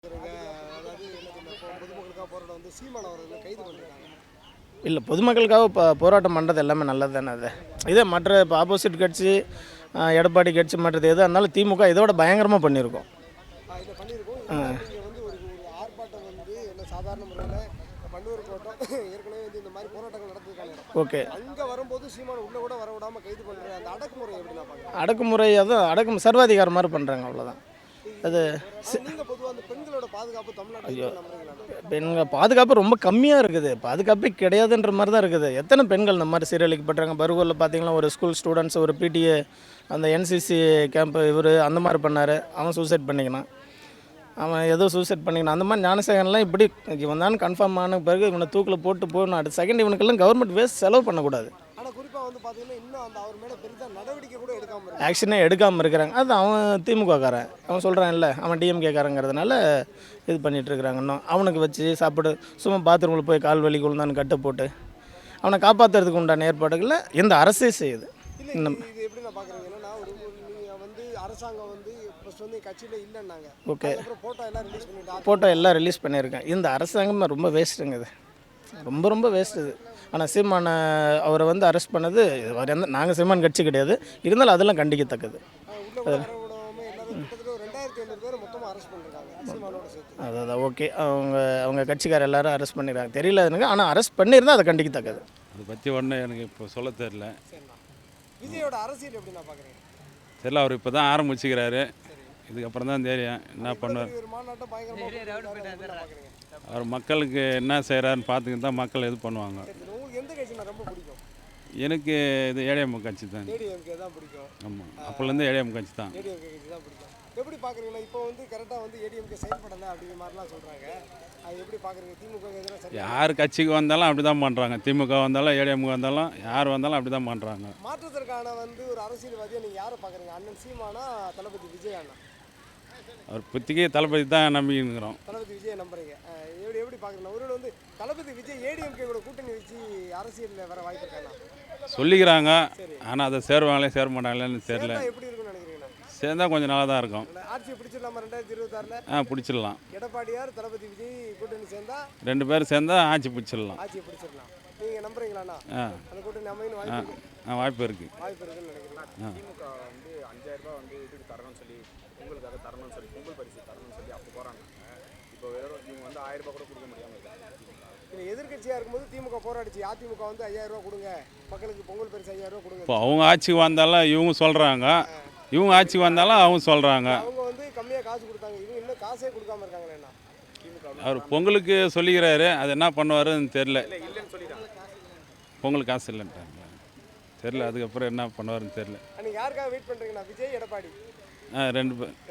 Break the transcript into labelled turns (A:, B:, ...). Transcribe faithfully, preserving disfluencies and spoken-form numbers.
A: அதாவது என்ன தெரியுமா, இப்போ பொதுமக்களுக்காக போராட்டம் வந்து சீமான் அவர்களை கைது பண்ணிருக்காங்க.
B: இல்லை, பொதுமக்களுக்காக இப்போ போராட்டம் பண்ணுறது எல்லாமே நல்லது தானே. அது இதே மற்ற இப்போ ஆப்போசிட் கட்சி, எடப்பாடி கட்சி, மற்றது எதாக இருந்தாலும் திமுக இதோட பயங்கரமாக பண்ணியிருக்கோம்.
A: இதை பண்ணியிருக்கோம். இருந்தாலும் நீங்கள் வந்து ஒரு ஒரு ஆர்ப்பாட்டம் வந்து என்ன சாதாரண முறையில் பன்னூர் கோட்டம் ஏற்கனவே வந்து இந்த மாதிரி போராட்டங்கள் நடத்திருக்காங்க.
B: ஓகே,
A: அங்கே வரும்போது சீமான் உள்ளே கூட வர விடாமல் கைது பண்ணுற அந்த அடக்குமுறை எப்படி நான் பார்க்குறேன்?
B: அடக்குமுறை அதுவும் அடக்கு சர்வாதிகாரம் மாதிரி பண்ணுறாங்க, அவ்வளோதான். அது
A: நீங்கள் பொதுவாக அந்த பெண்களோட பாதுகாப்பு தமிழ்நாட்டில் நம்புறீங்களா?
B: பெண்கள் பாதுகாப்பு ரொம்ப கம்மியாக இருக்குது. பாதுகாப்பே கிடையாதுன்ற மாதிரி தான் இருக்குது. எத்தனை பெண்கள் இந்த மாதிரி சீரழிக்கப்படுறாங்க. பருகூரில் பார்த்தீங்கன்னா ஒரு ஸ்கூல் ஸ்டூடெண்ட்ஸ், ஒரு பிடிஏ, அந்த என்சிசி கேம்ப் இவர் அந்த மாதிரி பண்ணார். அவன் சூசைட் பண்ணிக்கினான். அவன் ஏதோ சூசைட் பண்ணிக்கினான். அந்த மாதிரி ஞானசேகரன்லாம் இப்படி இவன் தான் கன்ஃபார்ம் ஆன பிறகு இவனை தூக்கில் போட்டு போகணும். அடுத்த செகண்ட் இவனுக்கெல்லாம் கவர்மெண்ட் வேஸ்ட் செலவு பண்ணக்கூடாது.
A: ஆனால் குறிப்பாக வந்து பார்த்தீங்கன்னா இன்னும் அந்த அவர் மேலே பெருசாக நடவடிக்கை கூட எடுக்காமல்
B: ஆக்ஷனே எடுக்காமல் இருக்கிறாங்க. அது அவன் திமுககாரன், அவன் சொல்கிறான் இல்லை, அவன் டிஎம்கேக்காரங்கிறதுனால இது பண்ணிகிட்ருக்குறாங்க. இன்னும் அவனுக்கு வச்சு சாப்பிடு, சும்மா பாத்ரூமில் போய் கால் வலி குழுந்தான்னு கட்டு போட்டு அவனை காப்பாற்றுறதுக்கு உண்டான ஏற்பாடுகளில் இந்த அரசே செய்யுது.
A: இன்னும் இது எப்படி நான் பார்க்குறேன் என்னன்னா, ஒரு நீங்கள் வந்து அரசாங்கம் வந்து ஃபஸ்ட் வந்து கட்சியில் இல்லைன்னாங்க.
B: ஓகே,
A: அப்புறம் ஃபோட்டோ எல்லாம் ரிலீஸ் பண்ணிட்டு
B: ஃபோட்டோ எல்லாம் ரிலீஸ் பண்ணியிருக்கேன். இந்த அரசாங்கம் ரொம்ப வேஸ்ட்டுங்க. இது ரொம்ப ரொம்ப வேஸ்ட்டு இது. ஆனால் சீமான அவரை வந்து அரெஸ்ட் பண்ணது, அவர் எந்த நாங்கள் சீமான் கட்சி கிடையாது, இருந்தாலும் அதெல்லாம் கண்டிக்கத்தக்கது. அதான் ஓகே, அவங்க அவங்க கட்சிக்கார எல்லாரும் அரெஸ்ட் பண்ணிடுறாங்க. தெரியல எனக்கு, ஆனால் அரெஸ்ட் பண்ணியிருந்தால் அதை கண்டிக்கத்தக்கது.
C: அதை பற்றி ஒன்றும் எனக்கு இப்போ சொல்ல தெரில.
A: விஜயோட அரசியல் எப்படி நான் பார்க்குறேன்
C: தெரியல, அவர் இப்போ தான் ஆரம்பிச்சுக்கிறாரு. இதுக்கப்புறம் தான் தெரியும் என்ன பண்ணுவார். அவர் மக்களுக்கு என்ன செய்கிறாருன்னு பார்த்துக்கிட்டு தான் மக்கள் இது பண்ணுவாங்க. எனக்கு இது ஏடிஎம் கட்சி தான். ஆமாம், அப்போலேருந்து ஏடிஎம் கட்சி தான்.
A: எப்படி பார்க்குறீங்களா? இப்போ வந்து கரெக்டாக வந்து ஏடிஎம்கே செயல்படலை அப்படிங்கிற மாதிரிலாம் சொல்கிறாங்க. அது எப்படி பார்க்குறீங்க? திமுக
C: யார் கட்சிக்கு வந்தாலும் அப்படி தான் பண்ணுறாங்க. திமுக வந்தாலும் ஏடிஎம்க்கு வந்தாலும் யார் வந்தாலும் அப்படி தான் பண்ணுறாங்க.
A: மாற்றத்திற்கான வந்து ஒரு அரசியல்வாதியை நீங்கள் யாரை பார்க்குறீங்க? அண்ணன் சீமானா, தளபதி விஜய் அண்ணா?
C: அவர் புத்திக்கே தளபதி தான் நம்பிக்கிறோம்.
A: தளபதி விஜயை நம்புறீங்க. எப்படி எப்படி பார்க்குறீங்க? ஒருவேளை வந்து தளபதி விஜய் ஏடிஎம்கே கூட கூட்டணி வச்சு அரசியலில் வர வாய்ப்பு இருக்காங்க
C: சொல்லிக்கிறாங்க. ஆனால் அதை சேருவாங்களே சேர மாட்டாங்களேன்னு தெரியல.
A: எப்படி இருக்குன்னு நினைக்கிறீங்க?
C: சேர்ந்தா கொஞ்சம் நல்லா தான் இருக்கும்.
A: ஆட்சியை பிடிச்சிடலாமா ரெண்டாயிரத்தி இருபத்தாறுல?
C: ஆ, பிடிச்சிடலாம்.
A: எடப்பாடியார் தளபதி விஜய் கூட்டணி சேர்ந்தா
C: ரெண்டு பேரும் சேர்ந்தா ஆட்சி பிடிச்சிடலாம்.
A: ஆட்சியை பிடிச்சிடலாம். நீங்கள் நம்புறீங்களாண்ணா?
C: ஆ,
A: அந்த கூட்டணி அமையும் வாய்ப்பு
C: ஆ வாய்ப்பு இருக்குது.
A: வாய்ப்பு இருக்குன்னு நினைக்கிறேன்.
D: திமுக வந்து அஞ்சாயிரம் ரூபாய் வந்து இதுக்கு தரணும்னு சொல்லி, பொங்கலுக்காக தரணும்னு சொல்லி, பொங்கல் பரிசு தரணும்னு சொல்லி அப்போ போகிறாங்க. இப்போ வெறும் இவங்க வந்து ஆயிரம் ரூபாய் கூட கொடுக்க முடியாமல் இருக்காங்க.
A: இல்லை, எதிர்கட்சியாக இருக்கும்போது திமுக போராடிச்சு. அதிமுக வந்து ஐயாயிரம் ரூபா கொடுங்க, மக்களுக்கு பொங்கல் பரிசு ஐயாயிரம் ரூபா கொடுங்க.
C: இப்போ அவங்க ஆட்சிக்கு வந்தாலும் இவங்க சொல்கிறாங்க, இவங்க ஆட்சிக்கு வந்தாலும் அவங்க சொல்கிறாங்க.
A: அவங்க வந்து கம்மியாக காசு கொடுத்தாங்க, இவங்க இன்னும் காசே கொடுக்காம இருக்காங்களே.
C: அவர் பொங்கலுக்கு சொல்லிக்கிறாரு, அது என்ன பண்ணுவாருன்னு தெரில. பொங்கலுக்கு காசு இல்லைன்ட்டாங்க, தெரில. அதுக்கப்புறம் என்ன பண்ணுவாருன்னு தெரில.
A: நீங்கள் யாருக்காக வெயிட் பண்ணுறீங்கண்ணா? விஜய், எடப்பாடி?
C: ஆ, ரெண்டு பேர்.